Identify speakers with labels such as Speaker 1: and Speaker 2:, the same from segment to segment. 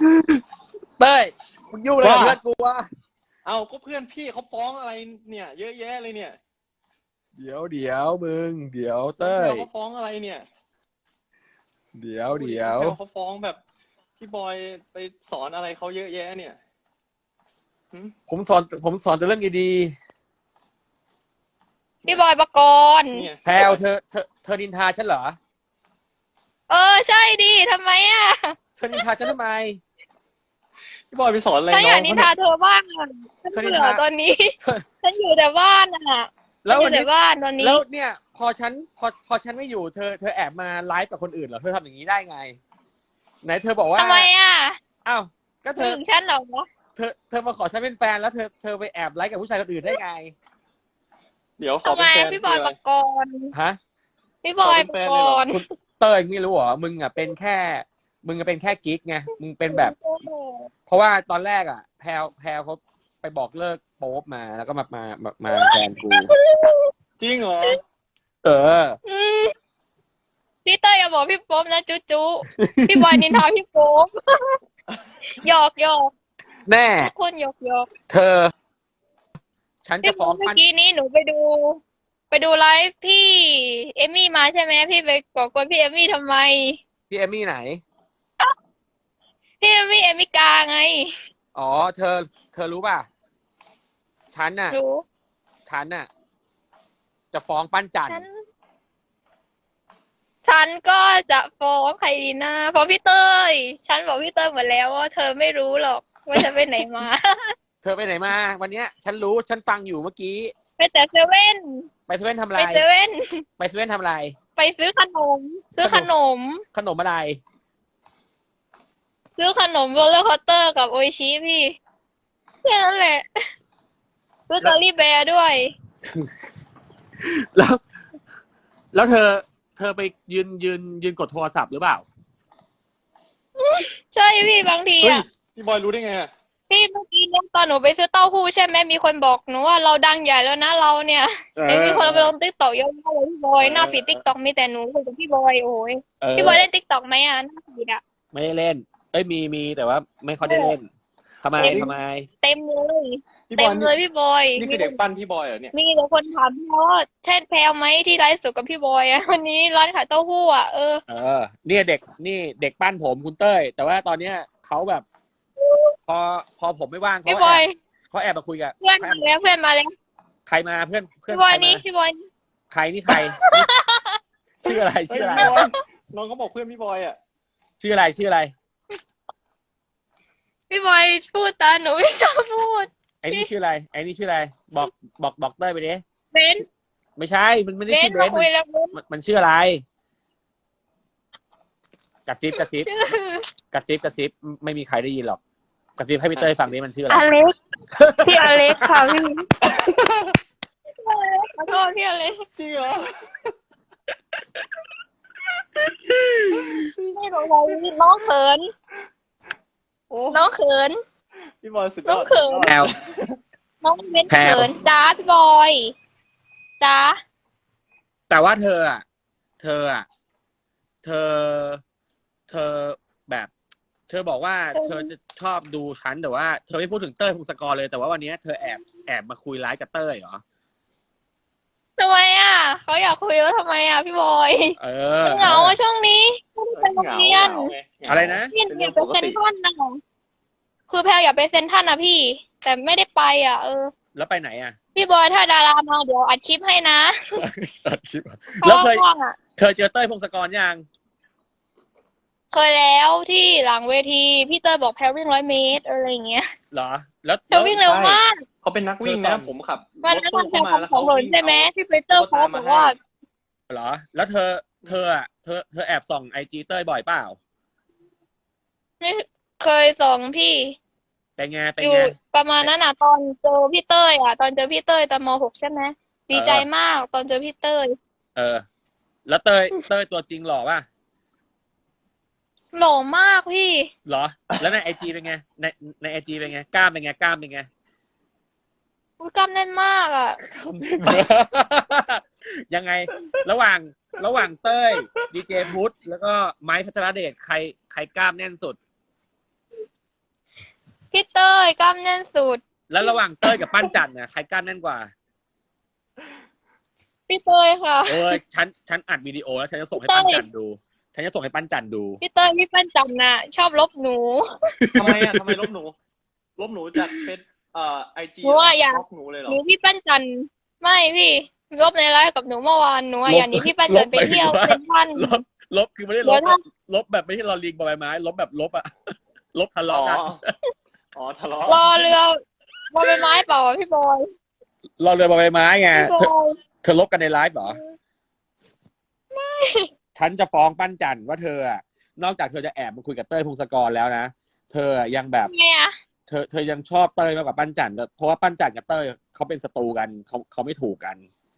Speaker 1: เต้ยมึงยุ่งอะไรกับเพื่อนกูวะ
Speaker 2: เอาก็เพื่อนพี่เขาฟ้องอะไรเนี่ยเยอะแยะเลยเนี่ย
Speaker 1: เดี๋ยวมึงเดี๋ยว
Speaker 2: น้อง
Speaker 1: เต้ย
Speaker 2: แพลวเขาฟ้องอะไรเนี่ย
Speaker 1: เดี๋ยว
Speaker 2: ดูดิ
Speaker 1: เดี๋ยว
Speaker 2: น้องแพลวเขาฟ้องแบบพี่บอยไปสอนอะไรเขาเยอะแยะเนี่ยหึ
Speaker 1: ผมสอนแต่เรื่องดี
Speaker 3: พี่บอยปกรณ์
Speaker 2: เนี่ย
Speaker 1: ๆแพลวเธอนินทาฉันเหรอ
Speaker 3: ใช่ดิทำไมอ่ะ
Speaker 1: เธอนินทาฉันทำไม
Speaker 2: พี่บอยไปสอนอะไร
Speaker 3: ฉันอ
Speaker 2: น้อ
Speaker 3: ยากนินทา
Speaker 2: งเขาเนี่ย
Speaker 3: เธอบ้างอะฉันเบื่อตอนนี้
Speaker 1: เธอ
Speaker 3: ฉันอยู่แต่บ้านอ่ะ
Speaker 1: แล้ว
Speaker 3: ฉันอ
Speaker 1: วัน
Speaker 3: ยู่แต่
Speaker 1: นี้
Speaker 3: บ้านตอนนี้
Speaker 1: แล้วเนี่ยพอฉันไม่อยู่เธอแอบมาไลฟ์กับคนอื่นเหรอเธอทำอย่างนี้ได้ไงไหนเธอบอกว่า
Speaker 3: ทำไมอ่ะ
Speaker 1: อ้าวก็เธอ
Speaker 3: ถึงฉันเหรอ
Speaker 1: เธอมาขอฉันเป็นแฟนแล้วเธอไปแอบไลฟ์กับผู้ชายคนอื่นได้ไง
Speaker 2: เดี๋ยวขอ
Speaker 3: ทำไม
Speaker 2: เป็นแฟน
Speaker 3: พี่บ
Speaker 2: คืออะไร
Speaker 3: อยปกรณ์
Speaker 1: ฮะ
Speaker 3: พี่บอยปกรณ์
Speaker 1: คุณเต้ยไม่รู้เหรอมึงเป็นแค่กิ๊กไงมึงเป็นแบบเพราะว่าตอนแรกอ่ะแพลวเขาไปบอกเลิกโป๊ปมาแล้วก็มาแฟนกู
Speaker 2: จริงเหรอ
Speaker 1: เออ
Speaker 3: อืมพี่เต้ยอย่าบอกพี่โป๊ปนะจุ๊พี่บอยนินทาพี่โป๊ปหยอก
Speaker 1: แน่
Speaker 3: ทุกคนหยอก
Speaker 1: เธอ ฉันจะ
Speaker 3: พี่
Speaker 1: ฟ้อง
Speaker 3: เมื่อ
Speaker 1: ปั้น
Speaker 3: กี้นี้หนูไปดูไลฟ์พี่เอมมี่มาใช่ไหมพี่ไปก่อกวนพี่เอมมี่ทำไม
Speaker 1: พี่เอมมี่ไหน
Speaker 3: พี่เอมมี่กาไง
Speaker 1: อ๋อเธอรู้ป่ะฉันน่ะ
Speaker 3: รู้
Speaker 1: ฉันน่ะจะฟ้องปั้นจันท
Speaker 3: ฉั
Speaker 1: ร์
Speaker 3: นฉันก็จะฟ้องใครดีนะฟ้องพี่เต้ยฉันบอกพี่เต้ยหมดแล้วว่าเธอไม่รู้หรอกว่าฉันไปไหนมา
Speaker 1: เธอไปไหนมาวันเนี้ยฉันรู้ฉันฟังอยู่เมื่อกี้
Speaker 3: ไปแต่เซเว่น
Speaker 1: ไปเซเว่นทำอะ
Speaker 3: ไป
Speaker 1: ไร
Speaker 3: เซเว่น
Speaker 1: ไปเซเว่นทำอะไร
Speaker 3: ไปซื้อขนมซื้อขนม
Speaker 1: ขนมอะไร
Speaker 3: ซื้อขนมโรลเลอร์คอสเตอร์กับโออิชิพี่แค่นั้นแหละซื้อจอรี่แบร์ด้วย
Speaker 1: แล้วแล้วเธอไปยืนกดโทรศัพท์หรือเปล่า
Speaker 3: ใช่พี่บางที
Speaker 2: เฮ้ย
Speaker 3: อ่ะ
Speaker 2: พี่บอยรู้ได้ไงอะ
Speaker 3: พี่เมื่อกี้เนี่ยตอนหนูไปซื้อเต้าหู้ใช่ไหมมีคนบอกหนูว่าเราดังใหญ่แล้วนะเราเนี่ยเห็นมีคนเอาไปลงติ๊กต็อกเยอะมากเลยพี่บอยหน้าฟีดติ๊กต็อกมีแต่หนูคุยกับพี่บอยโอ้ย
Speaker 1: เอ
Speaker 3: พี่บอยเล่น
Speaker 1: อ
Speaker 3: ติ๊กต็อกไหมอ่ะหน้าฟีดอ่ะ
Speaker 1: ไม่ได้เล่นเอ้ยมีแต่ว่าไม่ค่อยได้เล่นทำไม
Speaker 2: เฮ้ย
Speaker 1: ทำไม
Speaker 3: เต็มเลย
Speaker 2: พี่บ
Speaker 3: เต็
Speaker 2: อยนี่
Speaker 3: มเลยพี่บอย
Speaker 2: นี่
Speaker 3: มี
Speaker 2: คือเด็กปั้นพี่บอยเหรอเนี่ย
Speaker 3: มีแต่คนถามพี่ว่าใช่แพลวไหมที่ไลฟ์สดกับพี่บอยอ่ะวันนี้ร้านขายเต้าหู้อ่ะ
Speaker 1: เออเนี่ยเด็กปั้นผมคุณเต้ยแต่ว่าตอนเนี้ยเขาแบบ พอผมไม่ว่าง
Speaker 3: พี่บอย
Speaker 1: เขาแอบมาคุยกับ
Speaker 3: เพื่อนมาแล้วเพื่อนมาแล้ว
Speaker 1: ใครมาเพื่อน
Speaker 3: พี่บอ
Speaker 1: ใครมา
Speaker 3: ยนี่พี่บอย
Speaker 1: ใครนี่ใครชื่ออะไร
Speaker 2: เฮ้ย
Speaker 1: ชื่ออะไร
Speaker 2: พี่บอยน้องเขาบอกเพื่อนพี่บอยอะ
Speaker 1: ชื่ออะไร
Speaker 3: พี่บอยพูดตาหนูไม่ชอบพูด
Speaker 1: ไอ้นี่ชื่ออะไรบอกเต้ยไปดิ
Speaker 3: เบน
Speaker 1: ไม่ใช่มันไม่ได้
Speaker 3: เบน
Speaker 1: ชื่อเบน
Speaker 3: มาคุยแล้วเบน
Speaker 1: มันชื่ออะไรกระซิบ
Speaker 3: ชื่อ
Speaker 1: กระซิบไม่มีใครได้ยินหรอกกระซิบให้พี่เต้ยฟังนี้มันชื่ออะไร
Speaker 3: อเล็กพี่อเล็กค่ะพี่ขอโทษพี่อเล็ก
Speaker 2: จริงเหรอ
Speaker 3: ไม่รู้อะไรน้องเขิน
Speaker 2: โอ้
Speaker 3: น้องเขิน
Speaker 2: พี่บอยสุดย
Speaker 3: น้อ
Speaker 2: อง ด
Speaker 3: เขิน
Speaker 1: แพลว
Speaker 3: น้องเบน
Speaker 1: แพลว
Speaker 3: เขินจ้าพี่บอยจ้า
Speaker 1: แต่ว่าเธออ่ะเธออ่ะเธอเธอแบบ เธอบอกว่าเธอจะชอบดูฉันแต่ว่าเธอไม่พูดถึงเต้ยพงศกรเลยแต่ว่าวันนี้เธอแอบมาคุยไลฟ์กับเต้ยเหรอ
Speaker 3: ทำไมอ่ะเขาอยากคุยแล้วทำไมอ่ะพี่บอย
Speaker 1: เออ
Speaker 3: เหงาอะช่วงนี้ไม่ได้ไปโรง
Speaker 2: เหงา
Speaker 3: เรียน
Speaker 2: เหงาไงเหงา
Speaker 1: อะไรนะ
Speaker 3: พี่
Speaker 2: เป็น
Speaker 3: อ
Speaker 2: เรื่องปก
Speaker 3: ยากไปเซ็น
Speaker 2: ติ
Speaker 3: ทรัลนะคือแพลอยากไปเซ็นทรัลนะพี่ แต่ไม่ได้ไปอ่ะ
Speaker 1: แล้วไปไหนอ่ะ
Speaker 3: พี่บอยถ้าดารามาเดี๋ยวอัดคลิปให้นะ
Speaker 1: ตัดคลิปอะ
Speaker 3: เพราะ
Speaker 1: แล้ว
Speaker 3: ว่าว่างอ่ะ
Speaker 1: เคยเจอเต้ยพงศกรยัง
Speaker 3: เคยแล้วที่หลังเวทีพี่เตอร์บอกแพลวิ่ง100 เมตรอะไรอย่างเงี้ย
Speaker 1: เหรอ แล้ว
Speaker 3: แพลวิ่งเร็วมาก
Speaker 2: เขาเป็นนักวิ่งนะผมขับร
Speaker 3: วัน
Speaker 2: ถ
Speaker 3: นั้น
Speaker 2: ตู้
Speaker 3: มันแพล
Speaker 2: เข้ามาแล้ว
Speaker 3: ของ
Speaker 2: เขา
Speaker 3: เหิน
Speaker 2: วิ่ง
Speaker 3: ใช่ไหม
Speaker 2: เอา
Speaker 3: พี่ปีเตอร์เขาบอกว่า
Speaker 1: เหรอ แล้วเธอแอบส่องไอจีเต้ยบ่อยเปล่า
Speaker 3: ไม่เคยส่งพี่
Speaker 1: เป็นไง
Speaker 3: อยู่ประมาณนั้นอ่ะตอนเจอพี่เต้ยอ่ะตอนเจอพี่เต้ยตอนม.6ใช่ไหมดีใจมากตอนเจอพี่เต้ย
Speaker 1: เออ แล้วเต้ยตัวจริงหล่อป่ะ
Speaker 3: หล่อมากพี่
Speaker 1: เหรอ แล้วในไอจีเป็นไงในไอจีเป็นไงกล้ามเป็นไงกล้ามเป็นไง
Speaker 3: อุ๊ยกล้ามแน่นมากอ่ะ
Speaker 1: ยังไง ระหว่างเต้ยดีเจพุทธแล้วก็ไม้พัทรเดชใครกล้ามแน่นสุด
Speaker 3: พี่เต้ยกล้ามแน่นสุด
Speaker 1: แล้วระหว่างเต้ยกับปั้นจันเนี่ยใครกล้ามแน่นกว่า
Speaker 3: พี่เต้ยค่ะ
Speaker 1: โอ้ยฉันอัดวิดีโอแล้วฉันจะส่งให้ปั้นจันดู ฉันจะส่งให้ปั้นจันดู
Speaker 3: พี่เต้ยพี่ปั้นจันน่ะ ชอบลบหนู
Speaker 2: ทำไมอ่ะทำไมลบหนูจากเฟซไอจี
Speaker 3: หนูอะอยาก
Speaker 2: ลบหนูเลยเหร
Speaker 3: ห
Speaker 2: อ
Speaker 3: นูพี่ปั้นจันไม่พี่ลบในไลฟ์กับหนูเมื่อวานหนูอะอย่างนี้พี่ปั้นจันไปเที่ยวเซ็นทรัล
Speaker 1: ลบคือไม่ได้ล
Speaker 3: เดี๋
Speaker 1: บ
Speaker 3: ยวถ้า
Speaker 1: ลบแบบไม่ใช่ลอลิงบอใบไม้ลบแบบลบอะลบทะ
Speaker 2: อ๋อ
Speaker 1: เลาะกัน
Speaker 2: อ๋อทะเลาะ
Speaker 3: รอเรือรอใบไม้เปล่าอะพี่บอย
Speaker 1: รอเรือบอใบไม้ไง
Speaker 3: พี่บอย
Speaker 1: เธอลบกันในไลฟ์เหรอฉันจะฟ้องปั้นจันว่าเธออะนอกจากเธอจะแอบมาคุยกับเต้ยพงศกรแล้วนะเธอยังแบบ
Speaker 3: ไงอะ
Speaker 1: เธอยังชอบเต้ยมากกว่าปั้นจันเพราะว่าปั้นจันกับเต้ยเขาเป็นศัตรูกันเขาไม่ถูกกัน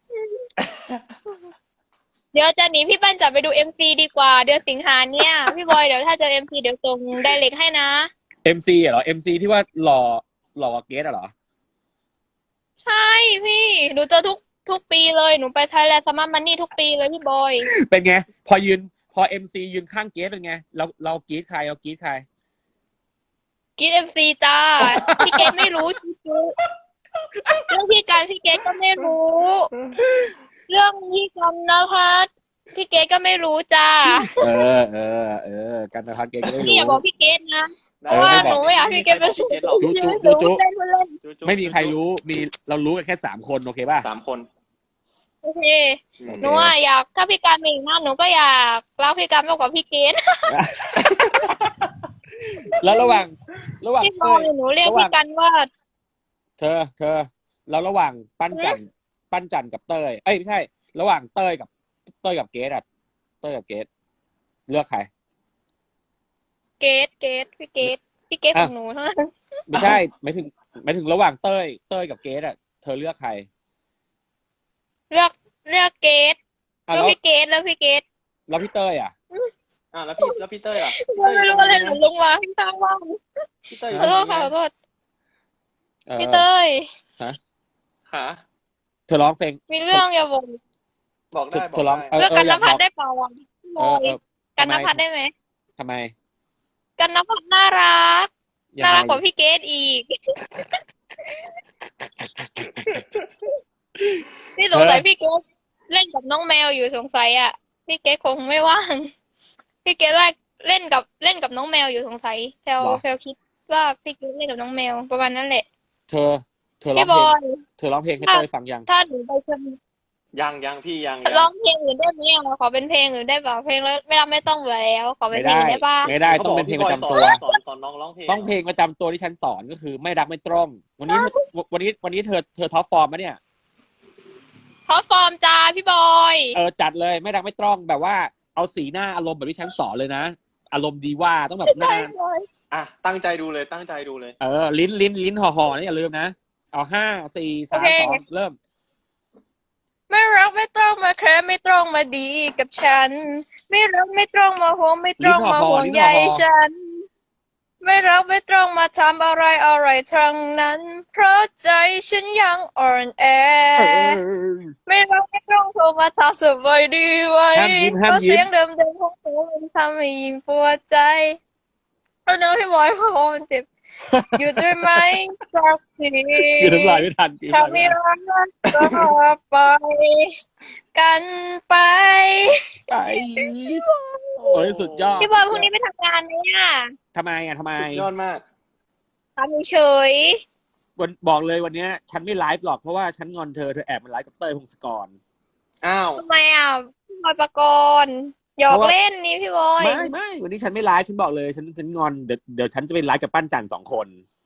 Speaker 3: เดี๋ยวจะหนีพี่ปั้นจันไปดูMCดีกว่าเดือนสิงหาเนี่ยพี่บอยเดี๋ยวถ้าเจอMCเดี๋ยวส่งไดเรกให้นะ
Speaker 1: MC เหรอ MC ที่ว่าหล่อกว่าเกสเหรอ
Speaker 3: ใช่พี่หนูเจอทุกปีเลยหนูไปไทยแลนด์ซัมเมอร์มันนี่ทุกปีเลยพี่บอย
Speaker 1: เป็นไง พอ MC ยืนข้างเกสเป็นไงเรากรี๊ดใครเรากรี๊ดใคร
Speaker 3: กินMC จ้าพี่เกดไม่รู้จริงๆเรื่องพี่การพี่เกดก็ไม่รู้ เรื่องพี่กันนะคะพี่เกดก็ไม่รู้จ้า
Speaker 1: กันนะครับเกสก็ไม่
Speaker 3: พี่
Speaker 1: รู้
Speaker 3: อย่าบอกพี่เกดนะ
Speaker 2: ได้
Speaker 3: เพราะว่า
Speaker 1: ไม่
Speaker 3: ห
Speaker 1: บ
Speaker 3: นู
Speaker 1: อก
Speaker 3: ไม่อยากให้พี่เกดเป็น
Speaker 2: พี่เกดหรอก
Speaker 1: จุ๊
Speaker 3: เล่นเล่น
Speaker 1: ไม่มีใครรู้เรารู้กันแค่3 คนโอเคป่ะ
Speaker 2: 3 คน
Speaker 3: โอเคหนูอะอยากถ้าพี่การมีอีกหน้าหนูก็อยากรักพี่การมากกว่าพี่เกด
Speaker 1: แล้วระหว่าง
Speaker 3: พี่บ
Speaker 1: เต้
Speaker 3: อย
Speaker 1: ย
Speaker 3: หนูเรียกพี่กันว่า
Speaker 1: เธอแล้วระหว่างปั้นจันกับเต้ยเอ้ยไม่ใช่ ระหว่างเต้ยกับเกสอะเต้ยกับเกสเลือกใคร
Speaker 3: เกดพี่เกดของหนูเท่านั้น
Speaker 1: ไม่ใช่หมายถึงระหว่างเต้ยกับเกสอะเธอเลือกใคร
Speaker 3: เลือกเกด
Speaker 1: อ่ะ
Speaker 3: แล้ว
Speaker 1: แล้ว
Speaker 3: พี่เกดแล้วพี่เกด
Speaker 1: แล้วพี่เต้ยอะ
Speaker 2: แล้วพี่เต้ยล่ะ
Speaker 3: ไม่รู้อะไรหนูลงมาพี่ข้างว่าง
Speaker 2: พี่เต้ย
Speaker 3: ขอโทษค่ะขอโทษ
Speaker 1: เออ
Speaker 3: พี่เต้ย
Speaker 2: หา
Speaker 1: เธอร้องเพลง
Speaker 3: มีเรื่องอย่าบอก
Speaker 2: บอกได้
Speaker 1: เธอร้อง
Speaker 3: เลือกกันนภัทร
Speaker 1: ได้
Speaker 3: ได้เปล่าอ่ะพี่บ
Speaker 1: เอ
Speaker 3: อ
Speaker 1: อย
Speaker 3: กันนภัทรได้ไหม
Speaker 1: ทำไม
Speaker 3: กันนภัทรน่ารัก
Speaker 1: ยัง
Speaker 3: น่า
Speaker 1: ไง
Speaker 3: รักกว่าพี่เกดอีกพี่สงสัยพี่เกดเล่นกับน้องแมวอยู่สงสัยอ่ะพี่เกดคงไม่ว่างพี่เกดเล่นกับน้องแมวอยู่สงสัยแพลคิดว่าพี่เกดเล่นกับน้องแมวประมาณนั้นแหละ
Speaker 1: เธอร้อ
Speaker 3: พี่
Speaker 1: ง
Speaker 3: บ
Speaker 1: เพล
Speaker 3: อง ย
Speaker 1: เธอร้องเพลงให้เต้ยฟังยัง
Speaker 3: ถ้าหนูไปเชียง
Speaker 2: ยังพี่ยัง
Speaker 3: ร้องเพลงอื่นได้ไหมอ่ะขอเป็นเพลงอื่นได้เปล่าเพลงแล้วไม่ต้องเบื่อแล้วขอเป็นเพลงอื่นได้ป่ะ
Speaker 1: ไม่ได้ต้องเป็นเพลงประจำตัว
Speaker 2: สอนน้องร้องเพลง
Speaker 1: ต้องเพลงประจำตัวที่ฉันสอนก็คือไม่รักไม่ตรงวันนี้เธอท็อปฟอร์มมะเนี่ย
Speaker 3: ขอฟอร์มจ้าพี่บอย
Speaker 1: จัดเลยไม่รักไม่ตรงแบบว่าเอาสีหน้าอารมณ์แบบที่ฉันสอนเลยนะอารมณ์ดีว่าต้องแบบหน้า
Speaker 2: ตั้งใจดูเลย
Speaker 1: ลิ้นห่อๆนี่อย่าลืมนะเอา5 4 3 2เริ่ม
Speaker 3: ไม่รักไม่ต้องมาแคร์ไม่ต้องมาดีกับฉัน ไม่รักไม่ต้องมาห่วงไม่ต้องมาห่วงใยฉัน ไม่รักไม่ต้องมาทำอะไรทั้งนั้น เพราะใจฉันยังอ่อนแอ ไม่รักไม่ต้องโทรมาถามสบายดีไว้
Speaker 1: ห้ามยิ้ม
Speaker 3: เพราะเสียงเดิมๆของเธอมันทำให้ยิ่งปวดใจแล้วเนื้อพี่บอยเขาบอกมันเจ็บ อยู่ด้วยไหมสักที
Speaker 1: อยู่น้ำลายไม่ทัน
Speaker 3: ฉันไม่รักก็ไปกันไป
Speaker 1: ไปโอ้ยสุดยอด
Speaker 3: พี่บอยพรุ่งนี้ไปทำงานไหมอ่ะ
Speaker 1: ทำไม
Speaker 2: ยอดมาก
Speaker 3: ทำเฉย
Speaker 1: บอกเลยวันนี้ฉันไม่ไลฟ์หรอกเพราะว่าฉันงอนเธอแอบมาไลฟ์กับเต้ยพงศกร
Speaker 2: อ้าว
Speaker 3: ทำไมอ่ะพี่บอยประกรณ์หยอกเล่นนี่พี่บอย
Speaker 1: ไม่วันนี้ฉันไม่ไลฟ์ฉันบอกเลยฉันงอนเดี๋ยวฉันจะไปไลฟ์กับปั้นจัน2 คน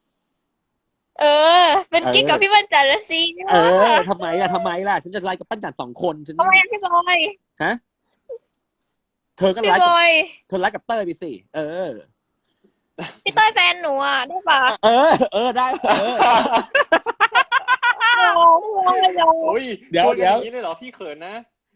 Speaker 3: เป็นกิ๊กกับพี่บรรจันทร์ละสิ
Speaker 1: ทำไมล่ะฉันจะไลฟ์กับปั้นจัน2 คนฉัน
Speaker 3: ทำไมอ่ะพี่บอย
Speaker 1: ฮะเธอก็
Speaker 3: พี่
Speaker 1: ไลฟ์
Speaker 3: บอย
Speaker 1: เธอไลฟ์กับเต้ยไปสิ
Speaker 3: พี่เต้ยแฟนหนูอ่ะได้ปะ
Speaker 1: ได้
Speaker 2: โอ้ย
Speaker 1: เดี๋ยว
Speaker 2: ชนกันอย่างนี้เลยเหรอพี่เขินนะ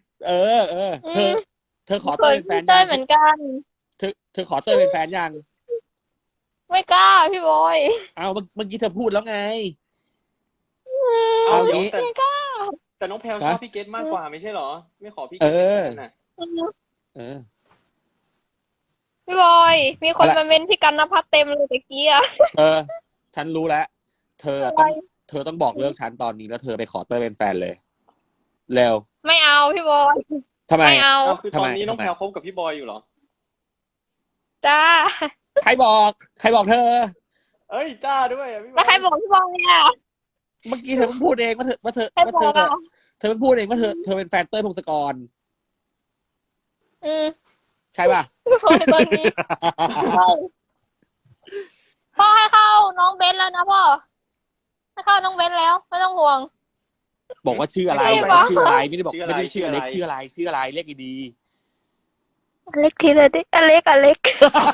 Speaker 1: เธอขอเต้ยเป็นแฟน
Speaker 3: เต้
Speaker 1: ยั
Speaker 3: ย
Speaker 1: ง
Speaker 3: เหมือนกัน
Speaker 1: เธอขอเต้ยเป็นแฟนยัง
Speaker 3: ไม่กล้าพี่บอย
Speaker 1: เอาเมื่อกี้เธอพูดแล้วไง
Speaker 2: เอา
Speaker 1: เอา
Speaker 2: เดี๋ยว
Speaker 1: งี้
Speaker 2: แต่น้องแพลวชอบพี่เกตมากกว่าไม่ใช่เหรอ ไม่ขอพี่เกตนั่นน่ะ
Speaker 3: พี่บอย มีคนมาเมนพี่กันนภัทรเต็มเลยตะกี้อ่ะ
Speaker 1: เธอฉันรู้แล้ว เธอ
Speaker 3: อะไร
Speaker 1: ต้องบอกเลิกฉันตอนนี้แล้วเธอไปขอเต้ยเป็นแฟนเลย เร็ว
Speaker 3: ไม่เอาพี่บอย
Speaker 1: ทำไม
Speaker 3: ไม่เอา
Speaker 2: อ้าวคือตอนนี้
Speaker 1: ทำไม
Speaker 2: น้องแพลวคบกับพี่บอยอยู่เหรอ
Speaker 3: จ้า
Speaker 1: ใครบอกเธอ
Speaker 2: เอ้ยจ้าด้วยอะพี่บอ
Speaker 3: แล้ว
Speaker 2: ย
Speaker 3: ใครบอกพี่บอยอ่ะ
Speaker 1: เมื่อกี้เธอเพิ่งพูดเองว่าเธอ
Speaker 3: ใครบอกอ่ะ
Speaker 1: เธอเพิ่งพูดเองว่าเธอเป็นแฟนเต้ยพงศกร
Speaker 3: อืม
Speaker 1: ใช่ป่ะ
Speaker 3: พี่บอยตอนนี้ใช่พ่อให้เข้าน้องเบนแล้วนะพ่อให้เข้าน้องเบนแล้วไม่ต้องห่วง
Speaker 1: บอกว่าชื่ออะไร
Speaker 3: ไม่
Speaker 1: บอก
Speaker 3: บอก
Speaker 1: ว่าชื่ออะไรไม่ได้บอก
Speaker 2: ชื่อ
Speaker 1: ไม่
Speaker 2: อะไร
Speaker 1: ได้ชื่ออเล็กชื่ออะไรเรียกดี
Speaker 3: อเล็กทีละดิอเล็ก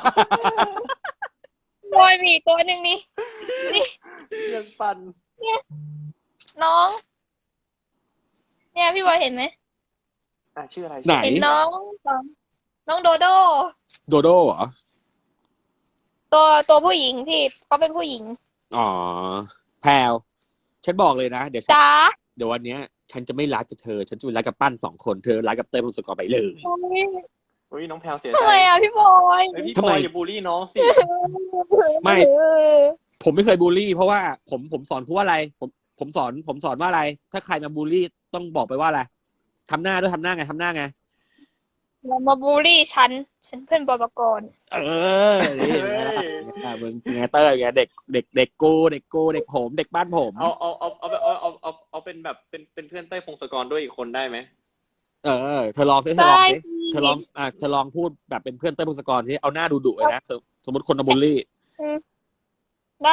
Speaker 3: บอยมีอีกตัวหนึ่งนี่นี่
Speaker 2: ยังปั่น
Speaker 3: น้อง เนี่ยพี่บอยเห็นไหม
Speaker 2: อ่ะชื่ออะไร
Speaker 1: ๆไหน
Speaker 3: เห็นน้องโดโด
Speaker 1: โดโดเหรอ
Speaker 3: ตัวผู้หญิงพี่เขาเป็นผู้หญิง
Speaker 1: อ๋อแพลวฉันบอกเลยนะเดี๋ยว
Speaker 3: จ้า
Speaker 1: วันเนี้ย ฉันจะไม่รักกับเธอ ฉันจะไปรักกับปั้น2 คนเธอรักกับเต้ยพงศกรไปเลย
Speaker 2: อุ้ยน้องแพลวเสีย
Speaker 3: ทำ
Speaker 2: ใจ
Speaker 3: ไมอ่ะพี่บอย
Speaker 2: เฮ้ยพี่
Speaker 1: ทำ
Speaker 2: บ
Speaker 1: ไม
Speaker 2: อยอย่าบูลลี่น้องสิ
Speaker 1: ไม่ ผมไม่เคยบูลลี่ เพราะว่าผมสอนคุณว่าอะไร ผมสอนว่าอะไร ถ้าใครมาบูลลี่ต้องบอกไปว่าอะไรทำหน้าด้วยทำหน้าไง
Speaker 3: อย่ามาบูลลี่ฉันเพื่อนบอยปกรณ์
Speaker 1: เออนี่ไงล่ะมึงไงเต้ยไงเด็กกูเด็กผมเด็กบ้านผม
Speaker 2: เอาเป็นแบบเป็นเพื่อนเต้ยพงศกรด้วยอีกคนได้ไหม
Speaker 1: เออเธอลองสิ
Speaker 3: ได้
Speaker 1: เธอลองพูดแบบเป็นเพื่อนเต้ยพงศกรที่เอาหน้าดุๆเลยนะสมมติคนมาบูลลี่
Speaker 3: ได้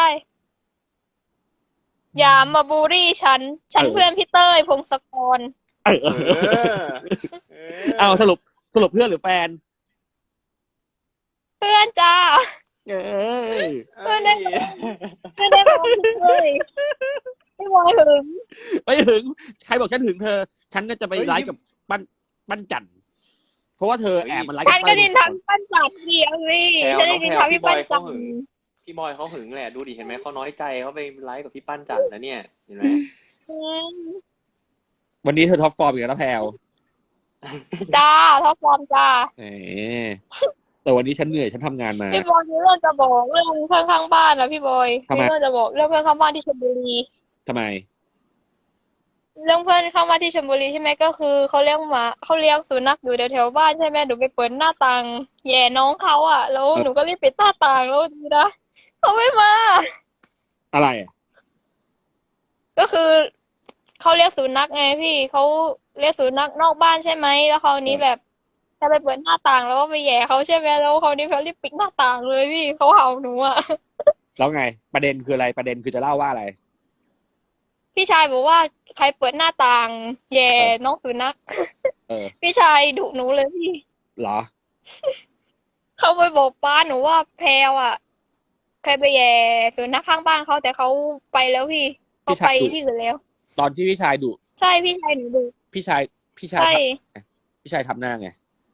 Speaker 3: อย่ามาบูลลี่ฉันเพื่อนพี่เต้ยพงศกร
Speaker 1: เออ
Speaker 2: เออ
Speaker 1: เอาสรุปเพื่อนหรือแฟน
Speaker 3: เพื่อนจ้า
Speaker 1: เอ้ย
Speaker 3: เพื่อนได้ ไม่ได้บอกพี่เต้ยไม่บอยหึง
Speaker 1: ไม่ถึงใครบอกฉันถึงเธอ ฉันก็จะไปไลฟ์กับปั้นจันทร์เพราะว่าเธอแอบมันไลฟ์
Speaker 3: ฉั
Speaker 1: กัน บ
Speaker 3: ก็
Speaker 1: เต้ย
Speaker 3: ดินทำพี่ปั้นจัดเดียวสิฉันได้ดินทำพี่ปั้นจัด
Speaker 2: พี่บอยเขาหึงแหละดูดิเห็นไหมเขาน้อยใจเขาไปไลฟ์กับพี่ปั้นจันทร์นะเนี่ยเห็นไหม
Speaker 1: วันนี้เธอท็อปฟอร์มอีกแล้วนะแพลว
Speaker 3: จ้าท็อปฟอร์มจ้า
Speaker 1: เออแต่วันนี้ฉันเหนื่อยฉันทำงานมา
Speaker 3: พี่บอยมีเรื่องจะบอกเรื่องเพื่อนข้างบ้านนะพี่บอย
Speaker 1: ทำไม
Speaker 3: มีเรื่องจะบอกเรื่องเพื่อนข้างบ้านที่ชลบุรี
Speaker 1: ทำไม
Speaker 3: เรื่องเพื่อนข้างบ้านที่ชลบุรีใช่ไหมก็คือเขาเลี้ยงสุนัขอยู่แถวๆบ้านใช่ไหมหนูไปเปิดหน้าต่างแย่น้องเขาอ่ะแล้วหนูก็รีบปิดหน้าต่างแล้วดีนะเขาไม่มา
Speaker 1: อะไรอ่ะ
Speaker 3: ก็คือเขาเรียกสุนัขไงพี่เขาเรียกสุนัขนอกบ้านใช่ไหมแล้วคราวนี้แบบจะไปเปิดหน้าต่างแล้วก็ไปแหย่เขาใช่ไหมแล้วคราวนี้เขารีบปิดหน้าต่างเลยพี่เขาเห่าหนูอ่ะ
Speaker 1: แล้วไง ประเด็นคืออะไรประเด็นคือจะเล่าว่าอะไร
Speaker 3: พี่ชายบอกว่าใครเปิดหน้าต่างแหย่น้องสุนัข
Speaker 1: เออ
Speaker 3: พี่ชายดุหนูเลยพี่
Speaker 1: เหรอ
Speaker 3: เขาไปบอกป้าหนูว่าแพลวอ่ะเคยไปแหย่สุนัขข้างบ้านเขาแต่เขาไปแล้วพี่เขาไปที่อื่นแล้ว
Speaker 1: ตอนที่พี่ชายดุ
Speaker 3: ใช่พี่ชายหนูดุ
Speaker 1: พี่ชาย
Speaker 3: ใช่
Speaker 1: พี่ชายทำหน้าไง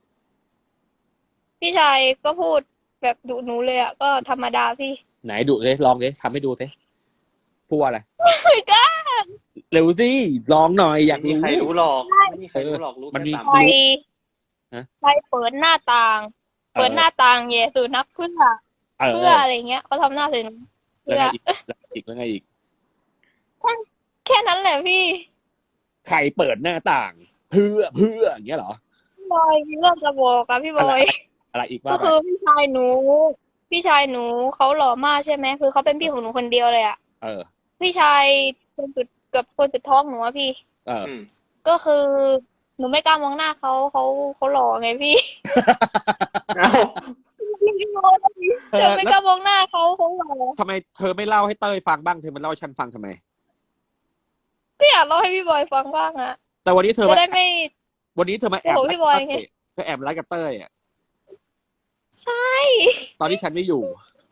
Speaker 3: พี่ชายก็พูดแบบดุหนูเลยอ่ะก็ธรรมดาพี่
Speaker 1: ไหนดุเลยลองเลยทำให้ดูสิพูดว่าอะไร
Speaker 3: ไม่กล้า
Speaker 1: เร็วสิลองหน่อยอยาก
Speaker 2: ไม่มี
Speaker 1: รู้
Speaker 2: ใครรู้หรอกไม่มีใครรู้หรอกรู้
Speaker 1: มัน
Speaker 2: แค่
Speaker 1: มี
Speaker 2: สาม
Speaker 3: ใคร
Speaker 1: ฮะ
Speaker 3: ใครเปิดหน้าต่าง เปิดหน้าต่างแย่สุนัขเพื่อ
Speaker 1: เออ
Speaker 3: เพื่ออะไรเงี้ยเขาทำหน้าใส่หนู
Speaker 1: แล้ว
Speaker 3: เพื่อ
Speaker 1: ไงอีกแล้วไงอีก
Speaker 3: แค่นั้นแหละพี่
Speaker 1: ใครเปิดหน้าต่าง เพื่ออย่างเงี้ยเหรอ
Speaker 3: พี่บอยมีเรื่องจะบอกอะพี่บอย
Speaker 1: อะไรอีก
Speaker 3: ก็
Speaker 1: ว่าไป
Speaker 3: คือพี่ชายหนูเขาหล่อมากใช่ไหมคือเขาเป็นพี่ของหนูคนเดียวเลยอะ
Speaker 1: เออ
Speaker 3: พี่ชายคนสุดท้องหนูอะพี่
Speaker 1: เออ
Speaker 2: อืม
Speaker 3: ก็คือหนูไม่กล้ามองหน้าเขาหล่อไงพี่
Speaker 2: เอ้า
Speaker 3: เธอไม่กล้ามองหน้าเขาหล่อ
Speaker 1: ทำไมเธอไม่เล่าให้เต้ยฟังบ้างเธอมาเล่าให้ฉันฟังทำไม
Speaker 3: ก็อยากเล่าให้พี่บอยฟังบ้างอะ
Speaker 1: แต่วันนี้เธอ
Speaker 3: จะ
Speaker 1: มา
Speaker 3: ได้ไม่
Speaker 1: วันนี้เธอมาแอบ
Speaker 3: โอ้โหพี่บอยไง
Speaker 1: เธอแอบไลฟ์กับเต้ยอ่ะ
Speaker 3: ใช่
Speaker 1: ตอนที่ฉันไม่อยู่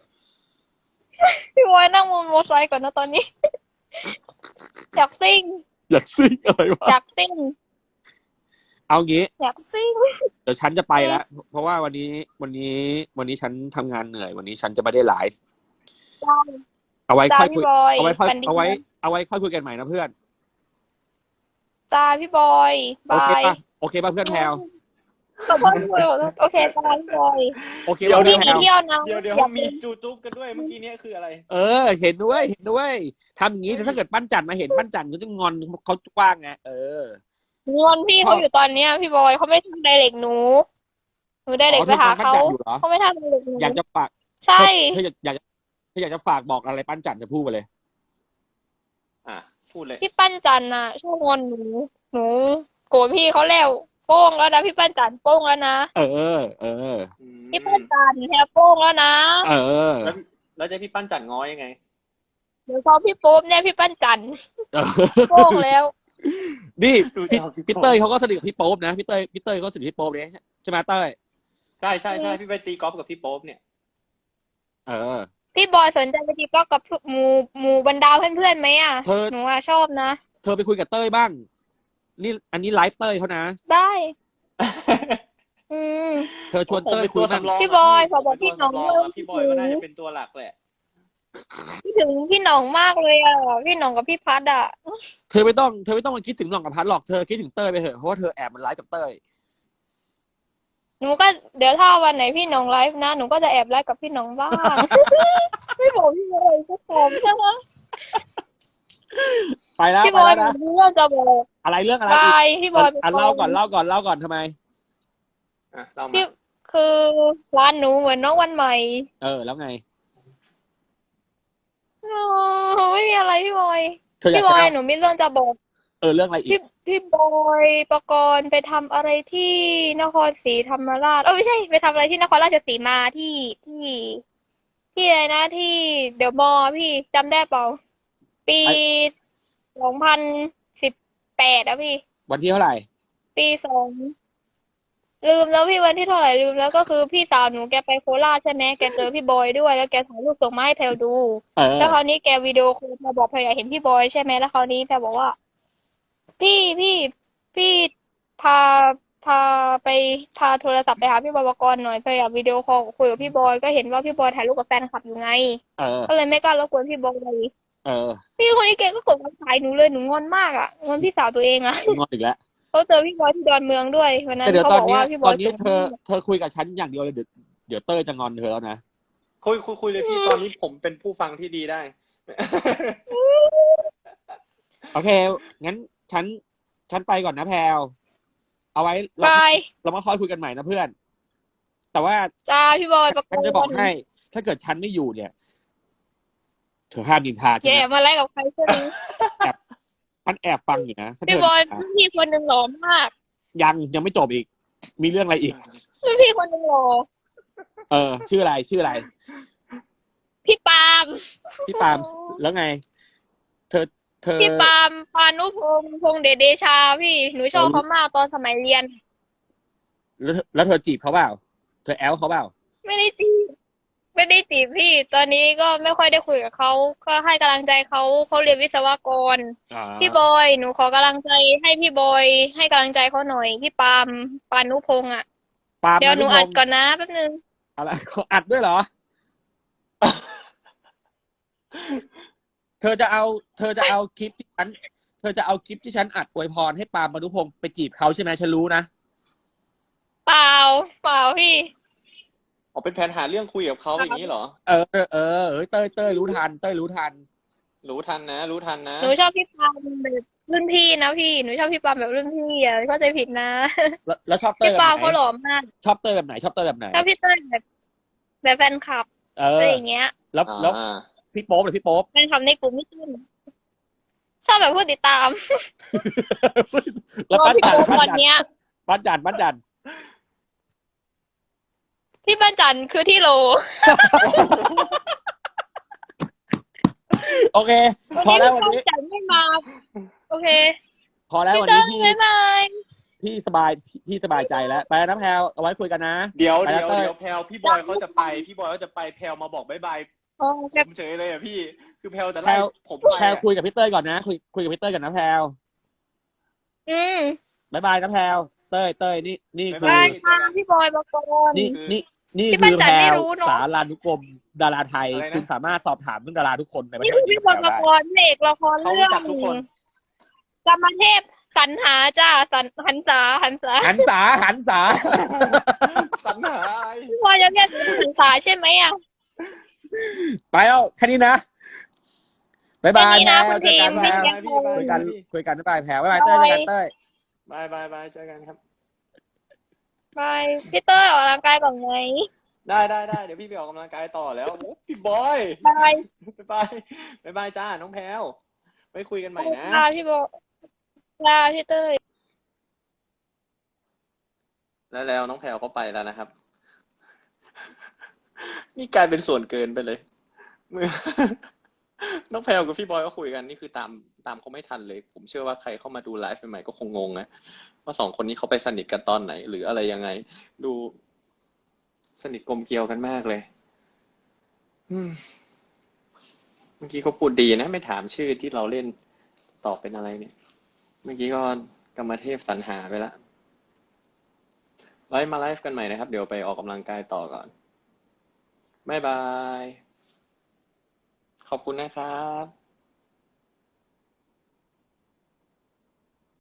Speaker 3: พี่บอยนั่งบนมอเตอร์ไซค์ก่อนนะตอนนี้ อยากซิ่ง
Speaker 1: อยากซิ่งอะไรวะ
Speaker 3: อยากซิ่ง
Speaker 1: เอางี้
Speaker 3: อยากซิ่ง
Speaker 1: เดี๋ยวฉันจะไปแล้ว เพราะว่าวันนี้ฉันทำงานเหนื่อย วันนี้ฉันจะไม่ได้ไลฟ์ เอาไว้
Speaker 3: จ้า
Speaker 1: ค่อยคุ
Speaker 3: พี่
Speaker 1: ย
Speaker 3: บอย
Speaker 1: เอาไว้ค่อย
Speaker 3: ฝันดี
Speaker 1: เอาไว้ค่อยคุยกันใหม่นะเพื่อน
Speaker 3: จ้าพี่บอย
Speaker 1: โอบ
Speaker 3: า
Speaker 1: เค
Speaker 3: ย
Speaker 1: ป่ะโอเคป่ะเพื่อนแพลว
Speaker 3: ขอโทษพี่บอยโอเคตายพี่บอย
Speaker 1: โอเค
Speaker 2: เดี๋ยว
Speaker 1: ว่า
Speaker 3: พี่
Speaker 1: แพ
Speaker 3: มี
Speaker 1: ลว
Speaker 3: เที่ยวนะ
Speaker 2: เดี๋ยว
Speaker 3: อยาก
Speaker 2: มีจูจุ๊บกันด้วยเมื่อกี้เนี้ยคืออะไร
Speaker 1: เห็นด้วยทำอย่างนี้ถ้าเกิดปั้นจันมาเห็นปั้นจันก็จะงอนเขากว้างไง
Speaker 3: งอนพี่เขาอยู่ตอนเนี้ยพี่บอยเขาไม่ทำไดเรกหนูไดเรกไปหาเขา
Speaker 1: อ๋อเธองอนปั้นจันอยู่เหรอ
Speaker 3: เขาไม่ทำไดเรกหนู
Speaker 1: อยากจะฝาก
Speaker 3: ใช่
Speaker 1: เธออยากจะฝากบอกอะไรปั้นจันจะพูดไปเลย
Speaker 2: อ่ะพูดเลย
Speaker 3: พี่ปั้นจันน่ะชอบงอนหนูโกรธพี่เขาแล้วโป้งแล้วนะพี่ปั้นจันโป้งแล้วนะ
Speaker 1: เออ
Speaker 3: พี่ปั้นจันแฮโป้งแล้วนะ
Speaker 2: แล้วจะพี่ปั้นจันง้อยังไง
Speaker 3: เดี๋ยวพอพี่โป๊บเนี่ยพี่ปั้นจัน
Speaker 1: เออ
Speaker 3: โป้งแล้ว
Speaker 1: นี่
Speaker 2: ดู
Speaker 1: พี่
Speaker 2: จะเอาพี่
Speaker 1: พี่
Speaker 2: โป๊ป
Speaker 1: เต้ยเขาก็สนิทกับพี่โป๊ปนะพี่เต้ยก็สนิทกับพี่โป๊ปเนี่ยใช่ไหมเต้ย
Speaker 2: ใช่พี่ไปตีกอล์ฟกับพี่โป๊ปเนี่ย
Speaker 1: เออ
Speaker 3: พี่บอยสนใจไปตีกอล์ฟกับหมู่บรรดาเพื่อนๆไหมอ่ะ
Speaker 1: เธอ
Speaker 3: หนูอ่ะชอบนะ
Speaker 1: เธอไปคุยกับเต้ยบ้าง นี่อันนี้ไลฟ์เต้ยเขานะ
Speaker 3: ได้ อืม
Speaker 1: เธอชวนเต้ยคุยบ้าง
Speaker 3: พี่บอยขอบอกพี่หน่อง
Speaker 2: พี่บอยก็น่าจะเป็นตัวหลักแหละ
Speaker 3: พี่ถึงพี่หน่องมากเลยอ่ะพี่หน่องกับพี่พัดอ่ะ
Speaker 1: เธอไม่ต้องมาคิดถึงหน่องกับพัดหรอกเธอคิดถึงเต้ยไปเถอะเพราะว่าเธอแอบมันไลฟ์กับเต้ย
Speaker 3: หนูก็เดี๋ยวถ้าวันไหนพี่หน่องไลฟ์นะหนูก็จะแอบไลฟ์กับพี่หน่องบ้าง ไม่บอกพี่บอยก็ตอบใช่ไหม
Speaker 1: ไปแล้ว
Speaker 3: พี่
Speaker 1: ไป
Speaker 3: บอย
Speaker 1: แล้ว
Speaker 3: หนู
Speaker 1: นะ
Speaker 3: มีเรื่องจะบอก
Speaker 1: อะไรเรื่องอะไร
Speaker 3: บา
Speaker 1: อีก
Speaker 3: ยพี่บอย
Speaker 1: เล่าก่อนทำไม
Speaker 2: อ่ะเรามา
Speaker 3: พี่คือร้านหนูเหมือนน้องวันใหม่
Speaker 1: แล้วไง
Speaker 3: อ๋อไม่มีอะไรพี่บอย
Speaker 1: เธออยาก
Speaker 3: พี่บ
Speaker 1: จะ
Speaker 3: อย
Speaker 1: เล่า
Speaker 3: หนูมีเรื่องจะบอก
Speaker 1: เรื่องอะไรอี
Speaker 3: พี่
Speaker 1: ก
Speaker 3: พี่บอยปกรณ์ไปทำอะไรที่นครศรีธรรมราชไม่ใช่ไปทำอะไรที่นครราชสีมาที่อะไรนะที่เดอะมอลล์พี่จำได้เปล่าปี2018อะพี่
Speaker 1: วันที่เท่าไหร่
Speaker 3: ปีลืมแล้วพี่วันที่เท่าไหร่ลืมแล้วก็คือพี่สาวหนูแกไปโคราชใช่ไหมแกเจอพี่บอยด้วยแล้วแกถ่ายรูปส่งมาให้แพลดู แล้วคราวนี้แกวิดีโอคอลมาบอกแพลอยากเห็นพี่บอยใช่ไหมแล้วคราวนี้แพลบอกว่า พี่พาพาไปพาโทรศัพท์ไปหาพี่บอยปกรณ์หน่อยแพลอยากวิดีโอคอลคุยกับพี่บอยก็เห็นว่าพี่บอยถ่ายรูปกับแฟนคลับอยู่ไง ก็เลยไม่กล้ารบกวนพี่บอย พี่คนนี้แกก็กดมาถ่ายหนูเลยหนูงอนมากอ่ะงอนพี่สาวตัวเองอ่ะ
Speaker 1: งอนอีกแล้ว
Speaker 3: เขาเจอพี่บอยที่ดอนเมืองด้วยวันนั้น
Speaker 1: แต่เดี๋ยว
Speaker 3: เขา
Speaker 1: ตอน
Speaker 3: บอก
Speaker 1: นี้
Speaker 3: ว่าพี่บ
Speaker 1: ต
Speaker 3: อ
Speaker 1: อย นนี้
Speaker 3: สวย
Speaker 1: เธอคุยกับฉันอย่างเดียวเลยเดี๋ยวเต้ยจะงอนเธอแล้วนะ
Speaker 2: คุยเลยพี่ตอนนี้ผมเป็นผู้ฟังที่ดีได้
Speaker 1: โอเค งั้นฉันไปก่อนนะแพลวเอาไว้
Speaker 3: บาย
Speaker 1: เรามาค่อยคุยกันใหม่นะเพื่อน แต่ว่า
Speaker 3: จ้าพี่บอยประก
Speaker 1: ฉัน
Speaker 3: ร
Speaker 1: จะบอก
Speaker 3: ณ์
Speaker 1: ให้ ถ้าเกิดฉันไม่อยู่เนี่ย เธอห้ามนินทาฉัน
Speaker 3: แก
Speaker 1: นะ
Speaker 3: มาไล่กับใครใช่ไหม
Speaker 1: ฉันแอบฟังอยู่นะถ้า
Speaker 3: พี่
Speaker 1: เธ
Speaker 3: บอย
Speaker 1: นินทา
Speaker 3: รุ่นพี่คนหนึ่งหล่อมาก
Speaker 1: ยังไม่จบอีก มีเรื่องอะไรอีก
Speaker 3: รุ่นพี่คนหนึ่งหล่อ
Speaker 1: ชื่ออะไร
Speaker 3: พี่ปาล์ม
Speaker 1: พี่ปาล์มแล้วไง เธอ
Speaker 3: พี่ปาล์มพานุพงษ์เดชาพี่หนูชอบเขามากตอนสมัยเรียน
Speaker 1: แล้วเธอจีบเขาเปล่า เธอแอลเขาเปล่า
Speaker 3: ไม่ได้จีบพี่ ตอนนี้ก็ไม่ค่อยได้คุยกับเขาก็ให้กำลังใจเขาเรียนวิศวกร พี่บอยหนูขอกำลังใจให้พี่บอยให้กำลังใจเขาหน่อยพี่ปาล์มปานุพงษ์อ่ะ
Speaker 1: ปาล์ม
Speaker 3: เดี๋ยวหนู
Speaker 1: พ
Speaker 3: อั
Speaker 1: ง
Speaker 3: ด
Speaker 1: ษ์
Speaker 3: ก่อนนะแป๊บนึง
Speaker 1: อะไรเขาอัดด้วยเหรอ เธอจะเอาคลิปที่ฉันอัดอวยพรให้ปาล์มมนุพงศ์ไปจีบเขาใช่ไหมฉันรู้นะ
Speaker 3: เปล่าพี่
Speaker 2: ออกเป็นแผนหาเรื่องคุยกับเขาอย่างนี้เหรอ
Speaker 1: เต้ยรู้ทัน
Speaker 2: รู้ทันนะ
Speaker 3: หนูชอบพี่ปาล์มแบบรุ่นพี่นะพี่หนูชอบพี่ปาล์มแบบรุ่นพี่อ่ะเข้าใจผิดนะ
Speaker 1: แล้วชอบเต้ย
Speaker 3: พี่
Speaker 1: แบบ
Speaker 3: ปาล์ม
Speaker 1: ไหน
Speaker 3: เขาหล่อมาก
Speaker 1: ชอบเต้ยแบบไหน
Speaker 3: ชอบพี่เต้ยแบบแฟนคลับอะไรอย่างเงี้ย
Speaker 1: แล้วพี่โป๊ปหรือพี่โป๊ป
Speaker 3: แฟนคลับในกลุ่มพี่ตุ้นชอบแบบผู้ติดตาม
Speaker 1: แล้ว
Speaker 3: รอ
Speaker 1: ปั้น
Speaker 3: พี่
Speaker 1: จัน
Speaker 3: โป๊ปวันเนี้ย พี่ปั้นจันคือที่โล
Speaker 1: โอเค พอแล้ววัน
Speaker 3: พี่
Speaker 1: นี้
Speaker 3: ปั้นจันไม่มาโอเค
Speaker 1: พอแล้ว
Speaker 3: พี่
Speaker 1: วัน
Speaker 3: เต้
Speaker 1: นี้
Speaker 3: ยบ๊ายบาย
Speaker 1: พี่สบายใจแล้วไปแล้วนะแพลวเอาไว้คุยกันนะ
Speaker 2: เดี๋ยว
Speaker 1: ไปแล้วเต้ย
Speaker 2: แพลวพี่บอยเขาจะไปแพลวมาบอกบ๊ายบาย
Speaker 3: อ๋อ
Speaker 2: ผมเฉยเลยอ่ะพี่ คือแพลวแต่
Speaker 1: แพล
Speaker 2: ไล่
Speaker 1: ว
Speaker 2: ผมไป
Speaker 1: แพลวคุยกับพี่เต้ยก่อนนะคุยกับพี่เต้ยก่อนนะแพลว
Speaker 3: อืม
Speaker 1: บายนะแพลวเต้ยนี่คื
Speaker 3: บา
Speaker 1: อ
Speaker 3: ยค่ะพี่บอยปกรณ์
Speaker 1: นี่
Speaker 3: พี่
Speaker 1: คื
Speaker 3: ปั้น
Speaker 1: อ
Speaker 3: จั
Speaker 1: แพ
Speaker 3: น
Speaker 1: ล
Speaker 3: ไม่
Speaker 1: ว
Speaker 3: รู้เนอะ
Speaker 1: สารานุกรมดาราไทย
Speaker 2: อะไรนะ
Speaker 1: คุณสามารถสอบถามเรื่องดาราทุกคนในประ
Speaker 3: นี่
Speaker 1: เท
Speaker 3: คือ
Speaker 1: ศ
Speaker 3: พี่บอยปกรณ์พระเอกละคร
Speaker 2: เขา
Speaker 3: เรื่
Speaker 2: รู้
Speaker 3: อง
Speaker 2: จักทุกคน
Speaker 3: กรรมเทพสรรหาจ้าหันษาหันษา
Speaker 1: หันษาหันษา
Speaker 2: สรรหาอะไร
Speaker 3: พี่บอยจะเรียกหนูหันษาใช่ไหมอ่ะ
Speaker 1: ไปแล้วแค่นี้นะบ๊ายบาย
Speaker 3: แค่นี้
Speaker 1: แพ
Speaker 3: นะ
Speaker 1: ร
Speaker 3: คุณ
Speaker 1: เจอ
Speaker 3: ที
Speaker 1: กั
Speaker 3: ม
Speaker 1: นแพร
Speaker 3: พี่เชียร์
Speaker 2: พี่บาย
Speaker 1: คุยกัน
Speaker 2: พี่
Speaker 1: คุยกันบ๊ายบายแพรบ๊ายบายเต้ยเจอกันเต้ย
Speaker 2: บายบายบายเจอกันครับ
Speaker 3: ไปพี่เต้ยออกกำลังกายก่อนไหม
Speaker 2: ได้เดี๋ยวพี่ไปออกกำลังกายต่อแล้วโอ้พี่บอย
Speaker 3: บาย
Speaker 2: บายบายจ้าน้องแพลวไว้คุยกันใหม่นะ
Speaker 3: ลาพี่โบลาพี่เต้ย
Speaker 2: แล้วน้องแพลวเขาไปแล้วนะครับ นี่กลายเป็นส่วนเกินไปเลยมือ น้องแพลวกับพี่บอยก็คุยกันนี่คือตามเขาไม่ทันเลย ผมเชื่อว่าใครเข้ามาดูไลฟ์ใหม่ๆก็คงงงนะว่าสองคนนี้เขาไปสนิทกันตอนไหน หรืออะไรยังไง ดูสนิทกลมเกลียวกันมากเลย อืมเมื่อกี้เขาพูดดีนะไม่ถามชื่อที่เราเล่นตอบเป็นอะไรเนี่ย เมื่อกี้ก็กรรมเทพสรรหาไปละไว้มาไลฟ์กันใหม่นะครับ เดี๋ยวไปออกกำลังกายต่อก่อนบ๊ายบาย ขอบคุณนะครับ